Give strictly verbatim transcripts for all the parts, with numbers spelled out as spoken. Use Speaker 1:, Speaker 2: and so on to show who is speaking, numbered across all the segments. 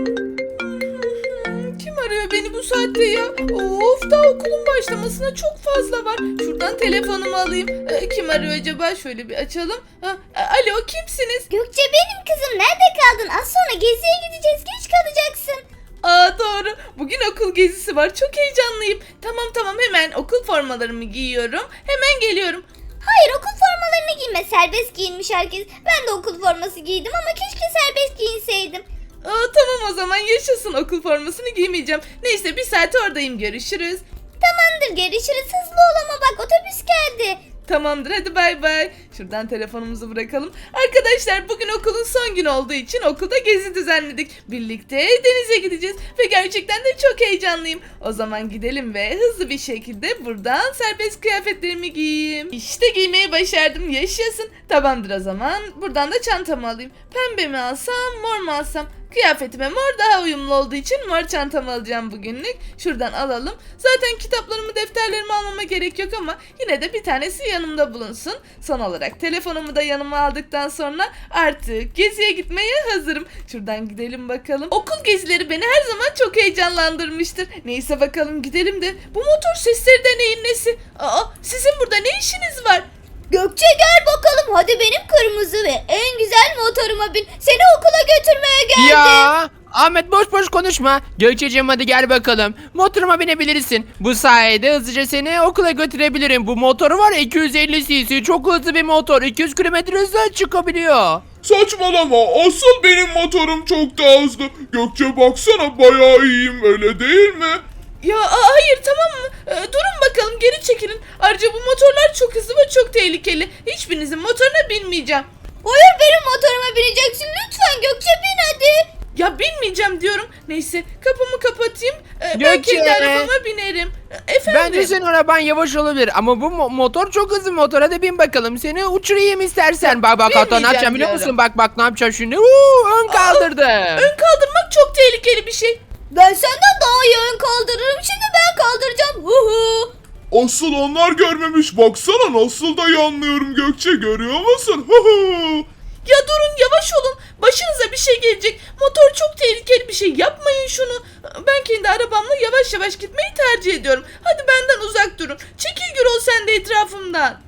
Speaker 1: Kim arıyor beni bu saatte ya? Of, daha okulun başlamasına çok fazla var. Şuradan telefonumu alayım. Ee, kim arıyor acaba? Şöyle bir açalım. Ha, alo, kimsiniz?
Speaker 2: Gökçe benim kızım, nerede kaldın? Az sonra geziye gideceğiz, geç kalacaksın.
Speaker 1: Aa, doğru. Bugün okul gezisi var. Çok heyecanlıyım. Tamam tamam, hemen okul formalarımı giyiyorum. Hemen geliyorum.
Speaker 2: Hayır, okul formalarını giyme, serbest giyinmiş herkes. Ben de okul forması giydim ama keşke serbest giyinseydim.
Speaker 1: Aa, tamam o zaman, yaşasın, okul formasını giymeyeceğim. Neyse, bir saat oradayım, görüşürüz.
Speaker 2: Tamamdır, görüşürüz, hızlı ol ama bak otobüs geldi.
Speaker 1: Tamamdır, hadi bay bay. Şuradan telefonumuzu bırakalım. Arkadaşlar, bugün okulun son günü olduğu için okulda gezi düzenledik. Birlikte denize gideceğiz ve gerçekten de çok heyecanlıyım. O zaman gidelim ve hızlı bir şekilde buradan serbest kıyafetlerimi giyeyim. İşte giymeyi başardım, yaşasın. Tamamdır o zaman, buradan da çantamı alayım. Pembe mi alsam, mor mu alsam? Kıyafetime mor daha uyumlu olduğu için mor çantamı alacağım bugünlük. Şuradan alalım. Zaten kitaplarımı, defterlerimi almama gerek yok ama yine de bir tanesi yanımda bulunsun. Son olarak telefonumu da yanıma aldıktan sonra artık geziye gitmeye hazırım. Şuradan gidelim bakalım. Okul gezileri beni her zaman çok heyecanlandırmıştır. Neyse bakalım, gidelim de bu motor sesleri de neyin nesi? Aa, sizin burada ne işiniz var?
Speaker 2: Gökçe gel bakalım, hadi benim kırmızı ve en güzel motoruma bin. Seni okula götürmeye geldim.
Speaker 3: Ya Ahmet, boş boş konuşma. Gökçeciğim, hadi gel bakalım. Motoruma binebilirsin. Bu sayede hızlıca seni okula götürebilirim. Bu motoru var ya, iki yüz elli cc, çok hızlı bir motor. iki yüz kilometre hızla çıkabiliyor.
Speaker 4: Saçmalama, asıl benim motorum çok daha hızlı. Gökçe baksana, bayağı iyiyim, öyle değil mi?
Speaker 1: Ya aa, hayır, tamam mı? Ee, durun bakalım, geri çekilin. Ayrıca bu motorlar çok hızlı ve çok tehlikeli. Hiçbirinizin motoruna binmeyeceğim.
Speaker 2: Hayır, benim motoruma bineceksin, lütfen Gökçe bin hadi.
Speaker 1: Ya binmeyeceğim diyorum. Neyse, kapımı kapatayım. Ee, ben
Speaker 3: Gökçe.
Speaker 1: kendi arabama binerim. Ee, Efendim?
Speaker 3: Bence senin araban yavaş olabilir ama bu mo- motor çok hızlı motor. Hadi bin bakalım, seni uçurayım istersen. Bak bak, hatta ne
Speaker 1: binmeyeceğim
Speaker 3: yapacağım biliyor
Speaker 1: diyorum.
Speaker 3: musun? Bak bak, ne yapacağım şimdi? Uuu, ön kaldırdım.
Speaker 1: Ön kaldırmak çok tehlikeli bir şey.
Speaker 2: Ben senden daha iyi ön kaldırırım, şimdi ben kaldıracağım. Hu hu.
Speaker 4: Asıl onlar görmemiş, baksana nasıl da yanlıyorum Gökçe, görüyor musun? Hı hı.
Speaker 1: Ya durun, yavaş olun. Başınıza bir şey gelecek. Motor çok tehlikeli bir şey. Yapmayın şunu. Ben kendi arabamla yavaş yavaş gitmeyi tercih ediyorum. Hadi benden uzak durun. Çekil Gürol, sen de etrafımdan.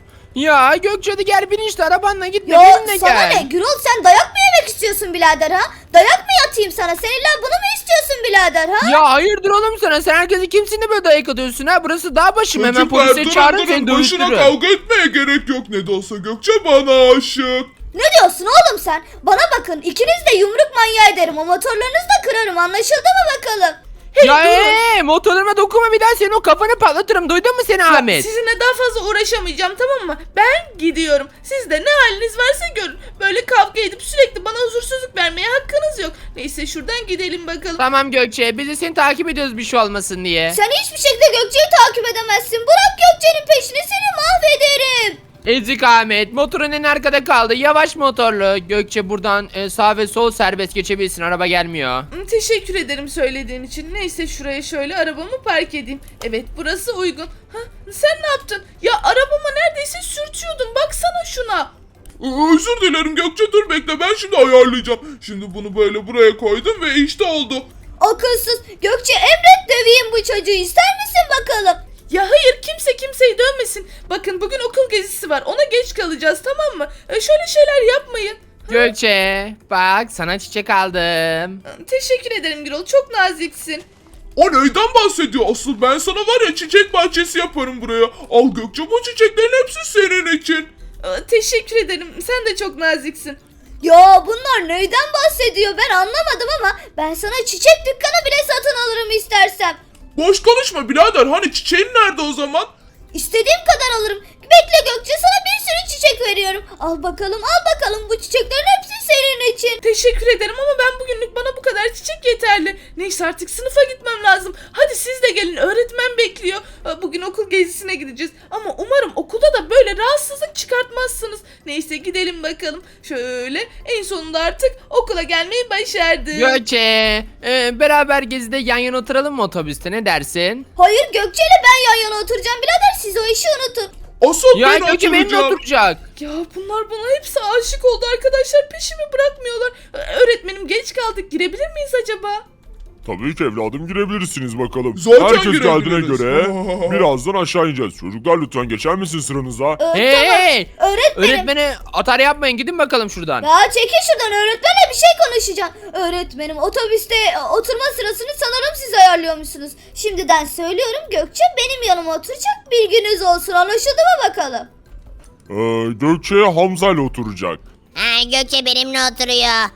Speaker 3: Ya Gökçe, hadi gel bin işte, arabanla gitme,
Speaker 2: Ya
Speaker 3: benimle
Speaker 2: sana
Speaker 3: gel.
Speaker 2: ne Gürol, sen dayak mı yemek istiyorsun birader ha? Dayak mı yatayım sana? Sen illa bunu mu istiyorsun birader ha?
Speaker 3: Ya hayırdır oğlum sana? Sen herkesi kimsin de böyle dayak atıyorsun ha? Burası dağ başım. Hemen
Speaker 4: Çocuklar,
Speaker 3: polise
Speaker 4: durun,
Speaker 3: çağırın,
Speaker 4: durun.
Speaker 3: seni
Speaker 4: Başına
Speaker 3: dövüştürürüm.
Speaker 4: kavga etmeye gerek yok, ne de olsa Gökçe bana aşık.
Speaker 2: Ne diyorsun oğlum sen? Bana bakın, ikiniz de yumruk manyağı ederim. O motorlarınızı da kırarım, anlaşıldı mı bakalım?
Speaker 1: Hey,
Speaker 3: Ya
Speaker 1: durun.
Speaker 3: ee, motorlarıma dokunma, bir daha senin o kafanı patlatırım. Duydun mu seni Ahmet?
Speaker 1: Sizinle daha fazla uğraşamayacağım, tamam mı? Ben gidiyorum. Siz de ne haliniz varsa görün. Böyle kavga edip sürekli bana huzursuzluk vermeye hakkınız yok. Neyse, şuradan gidelim bakalım.
Speaker 3: Tamam Gökçe, biz de seni takip ediyoruz bir şey olmasın diye.
Speaker 2: Sen hiçbir şekilde Gökçe'yi takip edemezsin. Bırak Gökçe'nin peşini, seni mahvederim.
Speaker 3: Ezik Ahmet, motorun en arkada kaldı. Yavaş motorlu. Gökçe, buradan e, sağ ve sol serbest geçebilirsin, araba gelmiyor.
Speaker 1: Hmm, Teşekkür ederim söylediğin için. Neyse, şuraya şöyle arabamı park edeyim. Evet, burası uygun. Ha, sen ne yaptın? Ya arabama neredeyse sürtüyordun. Baksana şuna.
Speaker 4: Ee, Özür dilerim Gökçe, dur bekle, ben şimdi ayarlayacağım. Şimdi bunu böyle buraya koydum ve işte oldu.
Speaker 2: Akılsız. Gökçe, emret döveyim bu çocuğu, ister misin bakalım?
Speaker 1: Ya hayır, kimse kimseyi dövmesin. Bakın, bugün okul gezisi var. Ona geç kalacağız, tamam mı? E, şöyle şeyler yapmayın.
Speaker 3: Gökçe, bak sana çiçek aldım.
Speaker 1: Teşekkür ederim Gürol. Çok naziksin.
Speaker 4: O neyden bahsediyor? Asıl ben sana var ya, çiçek bahçesi yaparım buraya. Al Gökçe, bu çiçeklerin hepsi senin için.
Speaker 1: Aa, Teşekkür ederim. Sen de çok naziksin.
Speaker 2: Ya bunlar neyden bahsediyor, ben anlamadım ama ben sana çiçek dükkanı bile satın alırım istersem.
Speaker 4: Boş konuşma birader, hani çiçeğin nerede o zaman?
Speaker 2: İstediğim kadar alırım. Bekle Gökçe, sana bir sürü çiçek veriyorum. Al bakalım, al bakalım, bu çiçeklerin hepsi senin için.
Speaker 1: Teşekkür ederim ama ben bugünlük bana bu kadar çiçek yeterli. Neyse, artık sınıfa gitmem lazım. Hadi siz de gelin, öğretmen bekliyor. Aa, Bugün okul gezisine gideceğiz. Ama umarım okulda da böyle rahatsızlık çıkartmazsınız. Neyse, gidelim bakalım. Şöyle, en sonunda artık okula gelmeyi başardık.
Speaker 3: Gökçe, e, beraber gezide yan yana oturalım mı otobüste, ne dersin?
Speaker 2: Hayır Gökçe ile ben yan yana oturacağım birader, siz o işi unutun.
Speaker 4: Asıl
Speaker 3: Ya
Speaker 4: ben
Speaker 3: Gökçe benimle
Speaker 4: oturacağım.
Speaker 3: oturacak.
Speaker 1: Ya bunlar buna hepsi aşık oldu arkadaşlar. Peşimi bırakmıyorlar. Ee, Öğretmenim geç kaldık. Girebilir miyiz acaba?
Speaker 5: Tabii ki evladım girebilirsiniz bakalım.
Speaker 4: Zaten
Speaker 5: Herkes geldiğine
Speaker 4: girebiliriz.
Speaker 5: göre birazdan aşağı ineceğiz. Çocuklar lütfen geçer misin sıranıza?
Speaker 2: Ee,
Speaker 3: Hey!
Speaker 2: tamam. Öğretmenim.
Speaker 3: Öğretmene atar yapmayın, gidin bakalım şuradan.
Speaker 2: Ya çekil şuradan, öğretmenle bir şey konuşacağım. Öğretmenim, otobüste e, oturma sırasını sanırım siz ayarlıyormuşsunuz. Şimdiden söylüyorum, Gökçe benim yanıma oturacak, bilginiz olsun, anlaşıldı mı bakalım?
Speaker 5: Ee, Gökçe Hamza ile oturacak.
Speaker 6: Ha, Gökçe benimle oturuyor.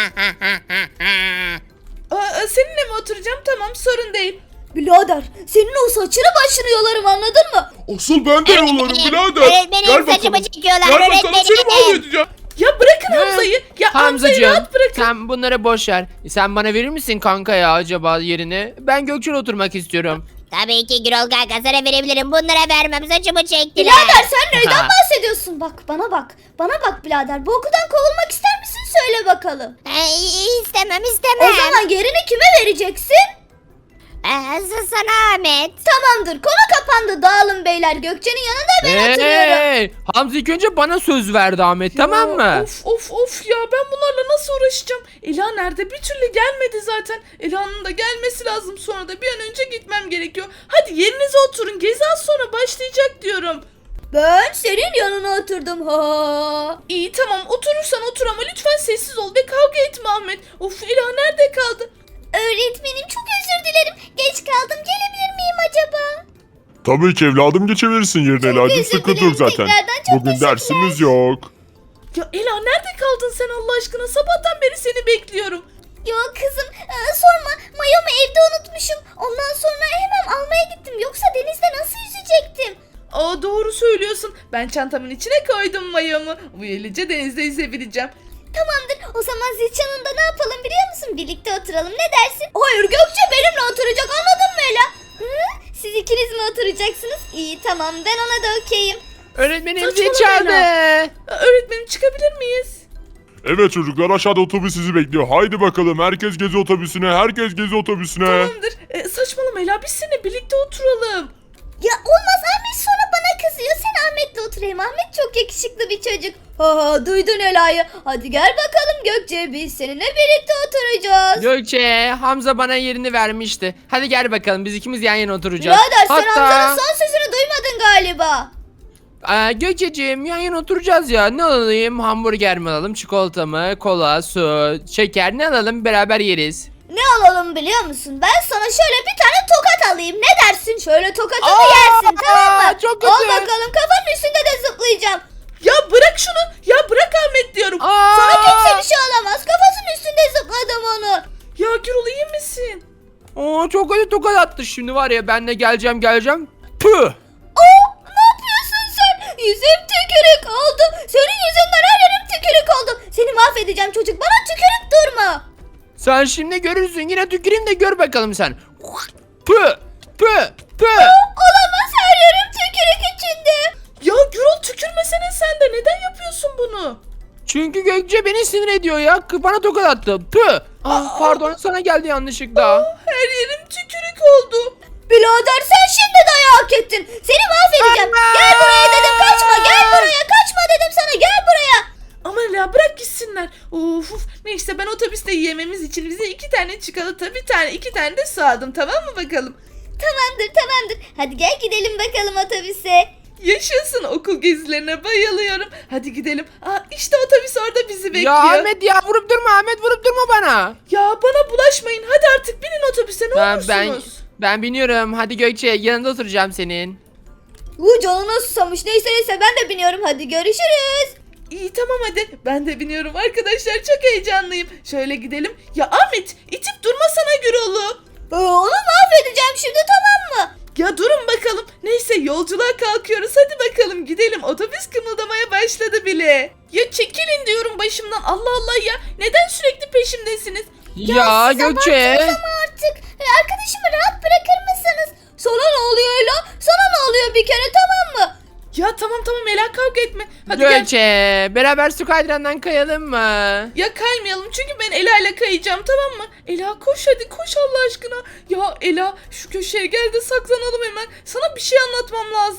Speaker 1: Aa, seninle mi oturacağım? Tamam, sorun değil.
Speaker 2: Birader, senin o saçını başını yolarım, anladın mı?
Speaker 4: Asıl ben de yolarım
Speaker 6: Öğretmenim,
Speaker 4: birader.
Speaker 6: öğretmenim,
Speaker 4: Gel bakalım.
Speaker 6: saçımı çekiyorlar,
Speaker 4: Gel bakalım seni
Speaker 6: öğretmenim.
Speaker 4: mahvedeceğim.
Speaker 1: Ya bırakın Hamza'yı. Ya Hamza'yı
Speaker 3: Hamzacığım
Speaker 1: rahat bırakın.
Speaker 3: sen bunları boş ver. Sen bana verir misin kanka ya acaba yerini? Ben Gökçe'yle oturmak istiyorum.
Speaker 6: Tabii ki Gürol kanka sana verebilirim. Bunlara vermem, saçımı çektiler.
Speaker 2: Birader sen neyden bahsediyorsun? Bak bana bak, bana bak birader, bu okuldan kovulmak ister misin, söyle bakalım.
Speaker 6: Ha, istemem
Speaker 2: O
Speaker 6: istemem.
Speaker 2: zaman yerini kime vereceksin?
Speaker 6: Aa, sana Ahmet.
Speaker 2: Tamamdır, konu kapandı, dağılın beyler, Gökçe'nin yanında ben oturuyorum.
Speaker 3: Hey! Hamza ilk önce bana söz verdi Ahmet,
Speaker 1: Ya,
Speaker 3: tamam mı?
Speaker 1: Of of of ya, ben bunlarla nasıl uğraşacağım? Ela nerede? Bir türlü gelmedi zaten. Ela'nın da gelmesi lazım, sonra da bir an önce gitmem gerekiyor. Hadi yerinize oturun, gezi az sonra başlayacak diyorum.
Speaker 2: Ben senin yanına oturdum ha.
Speaker 1: İyi tamam, oturursan otur ama lütfen sessiz ol ve kavga etme Ahmet. Of, Ela nerede kaldı?
Speaker 2: Öğretmenim, çok özür dilerim. Geç kaldım, gelebilir miyim acaba?
Speaker 5: Tabii ki evladım geçebilirsin yerine Ela'cığım.
Speaker 2: özür
Speaker 5: Sıkıntı
Speaker 2: dilerim
Speaker 5: yok zaten.
Speaker 2: tekrardan, çok
Speaker 5: Bugün
Speaker 2: teşekkürler.
Speaker 5: dersimiz yok.
Speaker 1: Ya Ela nerede kaldın sen Allah aşkına? Sabahtan beri seni bekliyorum.
Speaker 2: Yok kızım, e, sorma, mayomu evde unutmuşum. Ondan sonra hemen almaya gittim. Yoksa denizde nasıl yüzecektim?
Speaker 1: Aa, doğru söylüyorsun. Ben çantamın içine koydum mayomu. Böylece denizde yüzebileceğim.
Speaker 2: Tamamdır, o zaman zil çalında ne yapalım biliyor musun? Birlikte oturalım, ne dersin? Hayır, Gökçe benimle oturacak, anladın mı Ela? Hı? Siz ikiniz mi oturacaksınız? İyi tamam, ben ona da okeyim.
Speaker 3: Öğretmenim zil
Speaker 1: Saçmalama
Speaker 3: çaldı.
Speaker 1: Aa, öğretmenim çıkabilir miyiz?
Speaker 5: Evet çocuklar aşağıda otobüs sizi bekliyor. Haydi bakalım herkes gezi otobüsüne. Herkes gezi otobüsüne.
Speaker 1: Tamamdır. Ee, saçmalama Ela, biz seninle birlikte oturalım.
Speaker 2: Ya olmaz, Ahmet sonra bana kızıyor. Sen Ahmet'le oturayım. Ahmet çok yakışıklı bir çocuk. Ha, duydun Ela'yı. Hadi gel bakalım Gökçe, biz seninle birlikte oturacağız.
Speaker 3: Gökçe, Hamza bana yerini vermişti. Hadi gel bakalım, biz ikimiz yan yana oturacağız.
Speaker 2: Birader sen Hamza'nın son sözünü duymadın galiba.
Speaker 3: Aa, Gökçeciğim yan yana oturacağız ya. Ne alalım? Hamburger mi alalım? Çikolata mı? Kola, su, şeker ne alalım? Beraber yeriz.
Speaker 2: Ne alalım biliyor musun? Ben sana şöyle bir tane tokat alayım. Ne dersin? Şöyle tokatımı
Speaker 3: Aa,
Speaker 2: yersin, tamam mı?
Speaker 3: çok
Speaker 2: Al
Speaker 3: kötü.
Speaker 2: bakalım, kafanın üstünde de zıplayacağım.
Speaker 1: Ya bırak şunu. Ya bırak Ahmet diyorum.
Speaker 3: Aa!
Speaker 2: Sana kimse bir şey olamaz. Kafasının üstünde zıpladım onu.
Speaker 1: Ya Gürol, iyi misin?
Speaker 3: Oo, çok kötü tokat attı şimdi var ya, ben de geleceğim geleceğim. Püh!
Speaker 2: Aa, ne yapıyorsun sen? Yüzüm tükürük oldu. Senin yüzünden her yerim tükürük oldu. Seni mahvedeceğim çocuk. Bana tükürük durma.
Speaker 3: Sen şimdi görürsün, yine tüküreyim de gör bakalım sen. Püh! Püh! Püh!
Speaker 2: Olamaz, her yerim tükürük içinde.
Speaker 1: Ya Gürol, tükürmesene sen de. Neden yapıyorsun bunu?
Speaker 3: Çünkü Gökçe beni sinir ediyor ya. Bana tokat attı. Püh! Ah, pardon, sana geldi yanlışlıkla.
Speaker 1: Her yerim tükürük oldu.
Speaker 2: Birader sen şimdi dayağı hak ettin. Seni mahvedeceğim. Gel buraya dedim, kaçma. Gel buraya, kaçma dedim sana. Gel buraya.
Speaker 1: Aman ya, bırak gitsinler. Of of. Neyse, ben otobüste yememiz için bize iki tane çikolata, bir tane, iki tane de su aldım, tamam mı bakalım?
Speaker 2: Tamamdır tamamdır. Hadi gel gidelim bakalım otobüse.
Speaker 1: Yaşasın, okul gezilerine bayılıyorum. Hadi gidelim. Aa, işte otobüs orada bizi bekliyor.
Speaker 3: Ya Ahmet ya, vurup durma Ahmet, vurup durma bana.
Speaker 1: Ya bana bulaşmayın. Hadi artık binin otobüse, ne
Speaker 3: Ben,
Speaker 1: olursunuz.
Speaker 3: ben, ben biniyorum. Hadi Gökçe, yanında oturacağım senin.
Speaker 2: Bu canına susamış. Neyse neyse, ben de biniyorum. Hadi görüşürüz.
Speaker 1: İyi tamam hadi. Ben de biniyorum arkadaşlar. Çok heyecanlıyım. Şöyle gidelim. Ya Ahmet, itip durmasana Gürol'u.
Speaker 2: Ee, onu mahvedeceğim şimdi, tamam mı?
Speaker 1: Ya durun bakalım. Neyse, yolculuğa kalkıyoruz. Hadi bakalım gidelim. Otobüs kımıldamaya başladı bile. Ya çekilin diyorum başımdan. Allah Allah ya. Neden sürekli peşimdesiniz?
Speaker 3: Ya, Gökçe.
Speaker 2: Ama artık e, arkadaşımı rahat bırakır mısınız? Sana ne oluyor Ela? Sana ne oluyor bir kere, tamam mı?
Speaker 1: Ya tamam tamam Ela, kavga etme. Hadi gel.
Speaker 3: Gökçe, beraber su kaydırandan kayalım mı?
Speaker 1: Ya kaymayalım çünkü ben Ela ile kayacağım, tamam mı? Ela koş hadi, koş Allah aşkına. Ya Ela, şu köşeye gel de saklanalım hemen. Sana bir şey anlatmam lazım.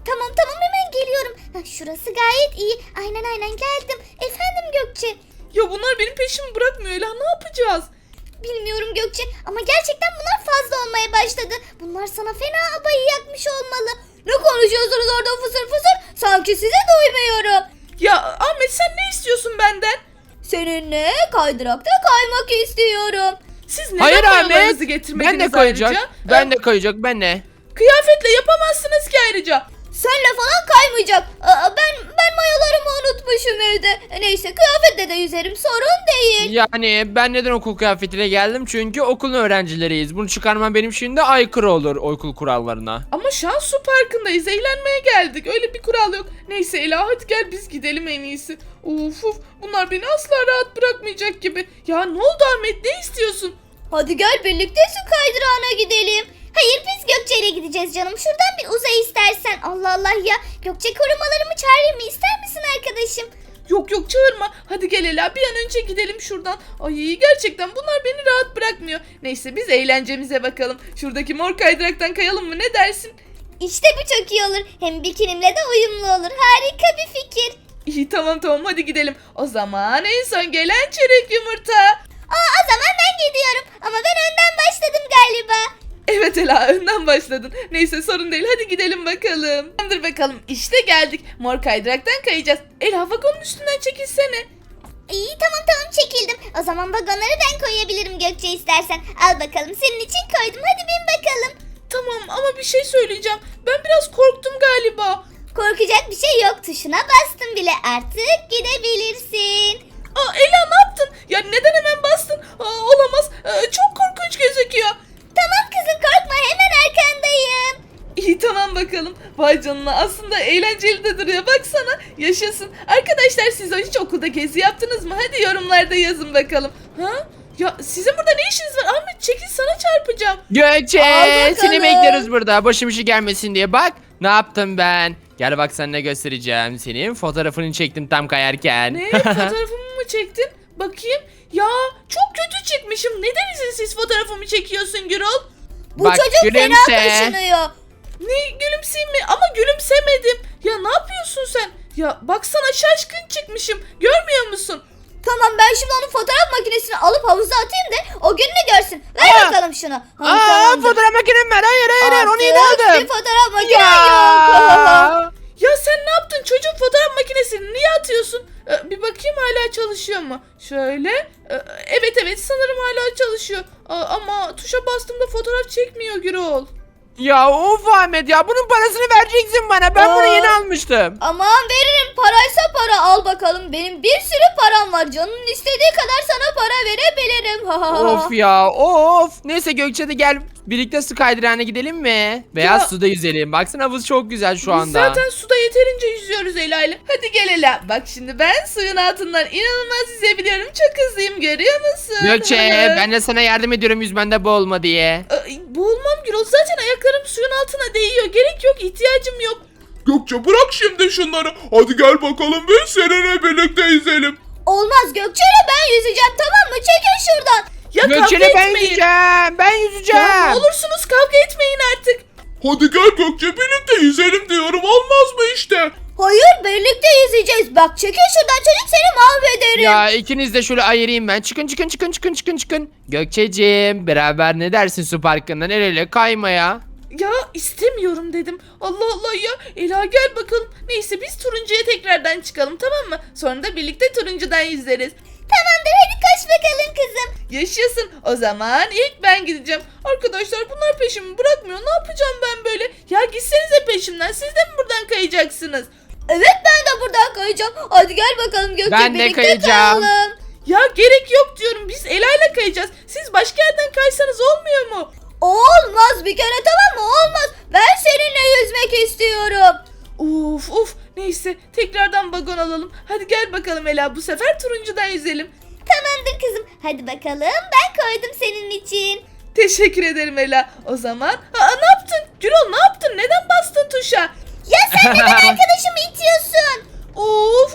Speaker 2: Tamam tamam hemen geliyorum. Hah, şurası gayet iyi. Aynen aynen geldim. Efendim Gökçe.
Speaker 1: Ya bunlar benim peşimi bırakmıyor Ela, ne yapacağız?
Speaker 2: Bilmiyorum Gökçe ama gerçekten bunlar fazla olmaya başladı. Bunlar sana fena abayı yakmış olmalı. Ne konuşuyorsunuz orada fısır fısır? Sanki sizi duymuyorum.
Speaker 1: Ya Ahmet, sen ne istiyorsun benden?
Speaker 2: Seninle kaydırakta kaymak istiyorum.
Speaker 1: Siz neden
Speaker 3: Hayır
Speaker 1: paralarınızı
Speaker 3: Ahmet.
Speaker 1: getirmediniz
Speaker 3: Ben de kayacak.
Speaker 1: ayrıca?
Speaker 3: Ben
Speaker 1: Ee,
Speaker 3: de kayacak. Ben de.
Speaker 1: Kıyafetle yapamazsınız ki ayrıca.
Speaker 2: Senle falan kaymayacak. Aa, ben ben mayolarımı unutmuşum evde. Neyse kıyafetle de yüzerim sorun değil.
Speaker 3: Yani ben neden okul kıyafetiyle geldim? Çünkü okulun öğrencileriyiz. Bunu çıkarmam benim için de aykırı olur okul kurallarına.
Speaker 1: Ama şu an su parkındayız, eğlenmeye geldik. Öyle bir kural yok. Neyse Ela, hadi gel biz gidelim en iyisi. Uf uf, bunlar beni asla rahat bırakmayacak gibi. Ya ne oldu Ahmet, ne istiyorsun?
Speaker 2: Hadi gel birlikte su kaydırağına gidelim. Hayır biz Gökçe ile gideceğiz canım. Şuradan bir uzay istersen. Allah Allah ya. Gökçe korumalarımı çağırayım mı? İster misin arkadaşım?
Speaker 1: Yok yok, çağırma. Hadi gel Ela, bir an önce gidelim şuradan. Ay gerçekten bunlar beni rahat bırakmıyor. Neyse biz eğlencemize bakalım. Şuradaki mor kaydıraktan kayalım mı, ne dersin?
Speaker 2: İşte bu çok iyi olur. Hem bikinimle de uyumlu olur. Harika bir fikir.
Speaker 1: İyi tamam tamam, hadi gidelim. O zaman en son gelen çörek yumurta.
Speaker 2: Aa, o zaman ben gidiyorum. Ama ben önden başladım galiba.
Speaker 1: Evet Ela, önden başladın. Neyse sorun değil, hadi gidelim bakalım. Tamamdır bakalım, işte geldik. Mor kaydıraktan kayacağız. Ela, vagonun üstünden çekilsene.
Speaker 2: İyi tamam tamam çekildim. O zaman vagonları ben koyabilirim Gökçe istersen. Al bakalım senin için koydum. Hadi bin bakalım.
Speaker 1: Tamam ama bir şey söyleyeceğim. Ben biraz korktum galiba.
Speaker 2: Korkacak bir şey yok. Tuşuna bastım bile. Artık gidebilirsin.
Speaker 1: Aa Ela, ne yaptın? Ya neden hemen bastın? Aa, olamaz. Aa, çok korkunç gözüküyor.
Speaker 2: Tamam kızım korkma hemen arkandayım.
Speaker 1: İyi tamam bakalım. Vay canına, aslında eğlenceli de duruyor. Baksana, yaşasın. Arkadaşlar siz hiç okulda gezi yaptınız mı? Hadi yorumlarda yazın bakalım. Ha? Ya sizin burada ne işiniz var? Ahmet çekil, sana çarpacağım.
Speaker 3: Gökçe
Speaker 2: Al bakalım.
Speaker 3: seni bekliyoruz burada. Başım işi gelmesin diye. Bak ne yaptım ben. Gel bak sana ne göstereceğim. Senin fotoğrafını çektim tam kayarken.
Speaker 1: Ne? Fotoğrafımı mı çektin? Bakayım. Ya çok kötü çıkmışım. Neden izinsiz fotoğrafımı çekiyorsun Gürol?
Speaker 2: Bu
Speaker 3: Bak,
Speaker 2: çocuk fena
Speaker 3: gülümse.
Speaker 2: kaşınıyor.
Speaker 1: Ne, gülümseyeyim mi? Ama gülümsemedim. Ya ne yapıyorsun sen? Ya baksana, şaşkın çıkmışım. Görmüyor musun?
Speaker 2: Tamam ben şimdi onun fotoğraf makinesini alıp havuza atayım da o gününü görsün. Ver
Speaker 3: Aa!
Speaker 2: bakalım şunu. Ha,
Speaker 3: Aa
Speaker 2: tamamdır.
Speaker 3: fotoğraf makinem var. Hayır hayır hayır onu yeni
Speaker 2: Artık
Speaker 3: aldım.
Speaker 2: bir fotoğraf makinen yok.
Speaker 3: Ya.
Speaker 1: Ya sen ne yaptın? Çocuğun fotoğraf makinesini niye atıyorsun? Ee, bir bakayım hala çalışıyor mu? Şöyle. Ee, evet evet, sanırım hala çalışıyor. Aa, ama tuşa bastığımda fotoğraf çekmiyor Gürol.
Speaker 3: Ya of Ahmet ya bunun parasını vereceksin bana. Ben
Speaker 2: Aa.
Speaker 3: bunu yeni almıştım.
Speaker 2: Aman veririm paraysa para al bakalım. Benim bir sürü param var. Canın istediği kadar sana para verebilirim.
Speaker 3: Of ya of. Neyse Gökçe de gel birlikte su kaydırağına gidelim mi? Beyaz
Speaker 1: Ya.
Speaker 3: suda yüzelim. Baksana havuz çok güzel şu
Speaker 1: Biz
Speaker 3: anda.
Speaker 1: zaten suda yeterince yüzüyoruz Ela ile. Hadi gel Ela. Bak şimdi ben suyun altından inanılmaz yüzebiliyorum. Çok hızlıyım, görüyor musun?
Speaker 3: Gökçe ben de sana yardım ediyorum yüzmende boğulma diye.
Speaker 1: Ee, boğulmam Gürol. Zaten ayaklarım suyun altına değiyor. Gerek yok, ihtiyacım yok.
Speaker 4: Gökçe bırak şimdi şunları. Hadi gel bakalım biz seninle birlikte yüzelim.
Speaker 2: Olmaz Gökçe'yle ben yüzeceğim tamam mı? Çekin şuradan.
Speaker 1: Ya
Speaker 3: Gökçe'yle
Speaker 1: kavga
Speaker 3: ben
Speaker 1: etmeyin.
Speaker 3: yüzeceğim. Ben yüzeceğim.
Speaker 1: Ya ne olursunuz kavga etmeyin artık.
Speaker 4: Hadi gel Gökçe birlikte yüzelim diyorum, olmaz mı işte?
Speaker 2: Hayır birlikte yüzeceğiz. Bak çekin şuradan çocuk seni mahvederim.
Speaker 3: Ya ikiniz de şöyle ayırayım ben. Çıkın çıkın çıkın çıkın çıkın çıkın. Gökçeciğim beraber ne dersin su parkından el ele kaymaya?
Speaker 1: Ya istemiyorum dedim. Allah Allah ya. Ela gel bakalım. Neyse biz turuncuya tekrardan çıkalım, tamam mı? Sonra da birlikte turuncudan yüzeriz.
Speaker 2: Tamamdır hadi koş bakalım kızım.
Speaker 1: Yaşasın. O zaman ilk ben gideceğim. Arkadaşlar bunlar peşimi bırakmıyor. Ne yapacağım ben böyle? Ya gitsenize peşimden. Siz de mi buradan kayacaksınız?
Speaker 2: Evet ben de buradan kayacağım. Hadi gel bakalım Gökçe
Speaker 3: Ben de
Speaker 2: birlikte
Speaker 3: kayacağım.
Speaker 2: kayalım.
Speaker 1: Ya gerek yok diyorum. Biz Ela'yla kayacağız. Siz başka yerden kaysanız olmuyor mu?
Speaker 2: Olmaz bir kere tamam mı? Olmaz. Ben seninle yüzmek istiyorum.
Speaker 1: Uf uf. Neyse tekrardan vagon alalım. Hadi gel bakalım Ela. Bu sefer turuncudan yüzelim.
Speaker 2: Tamamdır kızım. Hadi bakalım ben koydum senin için.
Speaker 1: Teşekkür ederim Ela. O zaman... Aa, ne yaptın? Gürol ne yaptın? Neden bastın tuşa?
Speaker 2: Ya sen neden arkadaşımı itiyorsun?
Speaker 1: Of of.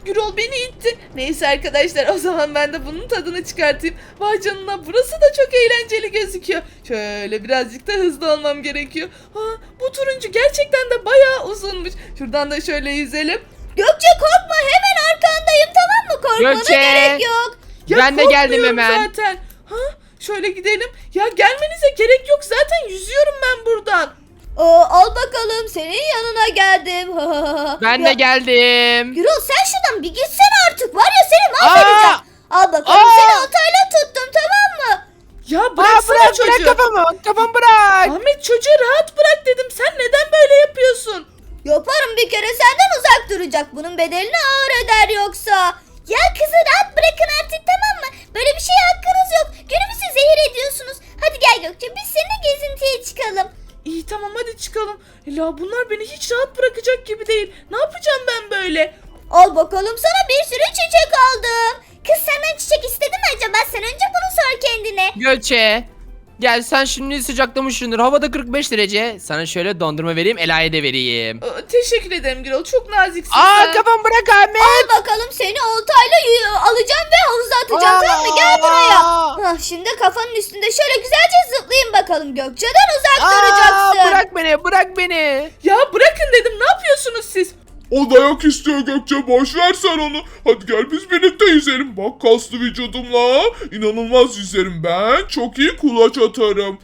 Speaker 1: Gürol beni itti. Neyse arkadaşlar o zaman ben de bunun tadını çıkartayım. Vay canına burası da çok eğlenceli gözüküyor. Şöyle birazcık da hızlı olmam gerekiyor. Ha, bu turuncu gerçekten de bayağı uzunmuş. Şuradan da şöyle yüzelim.
Speaker 2: Gökçe korkma, hemen arkandayım, tamam mı? Korkmana
Speaker 3: Gökçe.
Speaker 2: gerek yok.
Speaker 1: Ya
Speaker 3: Ben de geldim
Speaker 1: korkmuyorum
Speaker 3: hemen.
Speaker 1: zaten. Ha, şöyle gidelim. Ya gelmenize gerek yok zaten yüzüyorum ben buradan.
Speaker 2: Aa, al bakalım, senin yanına geldim.
Speaker 3: Ben de
Speaker 2: Ya,
Speaker 3: geldim.
Speaker 2: Gürol sen şuradan bir gitsene artık, var ya seni mahvedeceğim. Al bakalım,
Speaker 3: Aa!
Speaker 2: seni otayla tuttum, tamam mı?
Speaker 1: Ya
Speaker 3: Aa,
Speaker 1: bıraksana
Speaker 3: bırak
Speaker 1: çocuğu.
Speaker 3: bırak kafamı. Kafamı bırak.
Speaker 1: Ahmet çocuğu rahat bırak dedim. Sen neden böyle yapıyorsun?
Speaker 2: Yaparım, bir kere senden uzak duracak. Bunun bedelini ağır öder yoksa. Ya kızı rahat bırakın artık, tamam mı? Böyle bir şeye hakkınız yok. Günümüzü zehir ediyorsunuz. Hadi gel Gökçe, biz seninle gezintiye çıkalım.
Speaker 1: İyi tamam hadi çıkalım. Ela bunlar beni hiç rahat bırakacak gibi değil. Ne yapacağım ben böyle?
Speaker 2: Al bakalım, sana bir sürü çiçek aldım. Kız senden çiçek istedi mi acaba? Sen önce bunu sor kendine.
Speaker 3: Gökçe. Gel sen şimdi sıcaklamışsındır. Havada kırk beş derece. Sana şöyle dondurma vereyim. Ela'ya da vereyim.
Speaker 1: Aa, teşekkür ederim Gürol. Çok naziksin
Speaker 3: Aa
Speaker 1: sen.
Speaker 3: kafamı bırak Ahmet.
Speaker 2: Al bakalım, seni oltayla y- alacağım ve havuza atacağım,
Speaker 3: Aa!
Speaker 2: tamam mı? Gel buraya. Hah, şimdi kafanın üstünde şöyle güzelce zıplayın bakalım. Gökçe'den uzak
Speaker 3: Aa,
Speaker 2: duracaksın.
Speaker 3: bırak beni bırak beni.
Speaker 1: Ya bırakın dedim. Ne yapıyorsunuz siz?
Speaker 4: O dayak istiyor Gökçe, boş ver sen onu. Hadi gel biz birlikte yüzelim. Bak kaslı vücudumla inanılmaz yüzerim ben. Çok iyi kulaç atarım.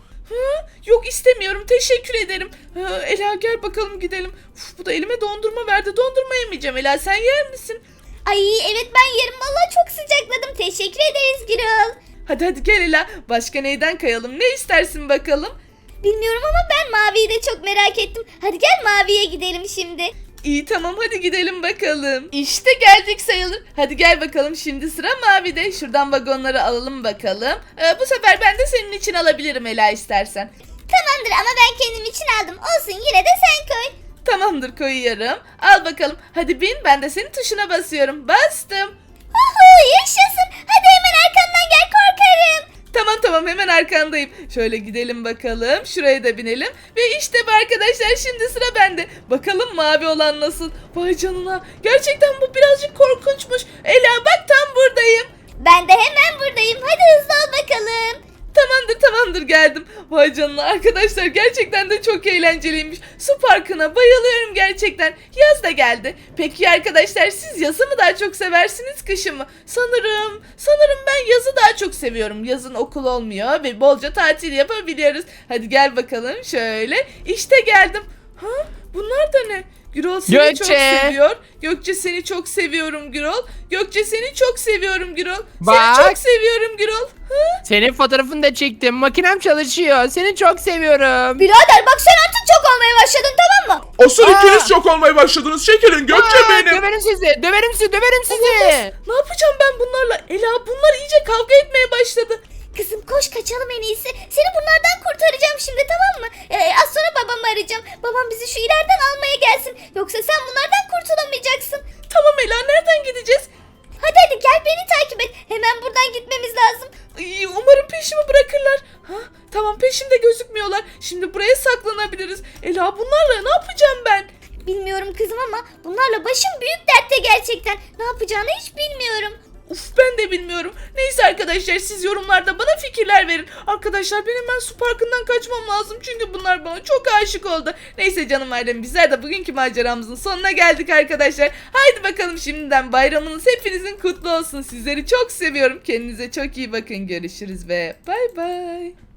Speaker 1: Yok istemiyorum. Teşekkür ederim. Ha, Ela gel bakalım gidelim. Uf, bu da elime dondurma verdi. Dondurma yemeyeceğim. Ela sen yer misin?
Speaker 2: Ay evet, ben yerim, vallahi çok sıcakladım. Teşekkür ederiz Gürol.
Speaker 1: Hadi hadi gel Ela. Başka neyden kayalım? Ne istersin bakalım?
Speaker 2: Bilmiyorum ama ben maviyi de çok merak ettim. Hadi gel maviye gidelim şimdi.
Speaker 1: İyi tamam hadi gidelim bakalım. İşte geldik sayılır. Hadi gel bakalım şimdi sıra Mavi'de. Şuradan vagonları alalım bakalım. Ee, bu sefer ben de senin için alabilirim Ela istersen.
Speaker 2: Tamamdır ama ben kendim için aldım. Olsun, yine de sen koy.
Speaker 1: Tamamdır koyuyorum. Al bakalım. Hadi bin ben de senin tuşuna basıyorum. Bastım.
Speaker 2: Uhu, yaşasın. Hadi hemen arkamdan gel, korkarım.
Speaker 1: Tamam tamam hemen arkandayım. Şöyle gidelim bakalım. Şuraya da binelim. Ve işte bu arkadaşlar şimdi sıra bende. Bakalım mavi olan nasıl? Vay canına. Gerçekten bu birazcık korkunçmuş. Ela bak tam buradayım.
Speaker 2: Ben de hemen buradayım. Hadi hızlı ol bakalım.
Speaker 1: Tamamdır tamamdır geldim. Vay canına arkadaşlar gerçekten de çok eğlenceliymiş. Su parkına bayılıyorum gerçekten. Yaz da geldi. Peki arkadaşlar siz yazı mı daha çok seversiniz kışı mı? Sanırım sanırım ben yazı daha çok seviyorum. Yazın okul olmuyor ve bolca tatil yapabiliyoruz. Hadi gel bakalım şöyle. İşte geldim. Ha bunlar da ne? Gürol seni
Speaker 3: Gökçe.
Speaker 1: çok seviyor. Gökçe seni çok seviyorum Gürol. Gökçe seni çok seviyorum Gürol. Seni
Speaker 3: Bak.
Speaker 1: çok seviyorum Gürol. Ha?
Speaker 3: Senin fotoğrafını da çektim. Makinem çalışıyor. Seni çok seviyorum.
Speaker 2: Birader bak, sen artık çok olmaya başladın, tamam mı?
Speaker 4: Asıl
Speaker 3: Aa!
Speaker 4: ikiniz çok olmaya başladınız. Çekilin Gökçe
Speaker 3: Aa,
Speaker 4: benim.
Speaker 3: Döverim sizi. Döverim sizi. Döverim sizi.
Speaker 1: Ne yapacağım ben bunlarla? Ela bunlar iyice kavga etmeye başladı.
Speaker 2: Kızım koş, kaçalım en iyisi. Seni bunlardan kurtaracağım şimdi, tamam mı? Ee, az sonra babamı arayacağım. Babam bizi şu ileriden almaya gelsin. Yoksa sen bunlardan kurtulamayacaksın.
Speaker 1: Tamam Ela nereden gideceğiz?
Speaker 2: Hadi hadi gel, beni takip et. Hemen buradan gitmemiz lazım.
Speaker 1: Ay, umarım peşimi bırakırlar. Ha, tamam peşimde gözükmüyorlar. Şimdi buraya saklanabiliriz. Ela bunlarla ne yapacağım ben?
Speaker 2: Bilmiyorum kızım ama bunlarla başım büyük dertte gerçekten. Ne yapacağını hiç bilmiyorum.
Speaker 1: Uf ben de bilmiyorum. Neyse arkadaşlar siz yorumlarda bana fikirler verin. Arkadaşlar benim ben su parkından kaçmam lazım. Çünkü bunlar bana çok aşık oldu. Neyse canım ailem bizler de bugünkü maceramızın sonuna geldik arkadaşlar. Haydi bakalım şimdiden bayramınız hepinizin kutlu olsun. Sizleri çok seviyorum. Kendinize çok iyi bakın. Görüşürüz ve bay bay.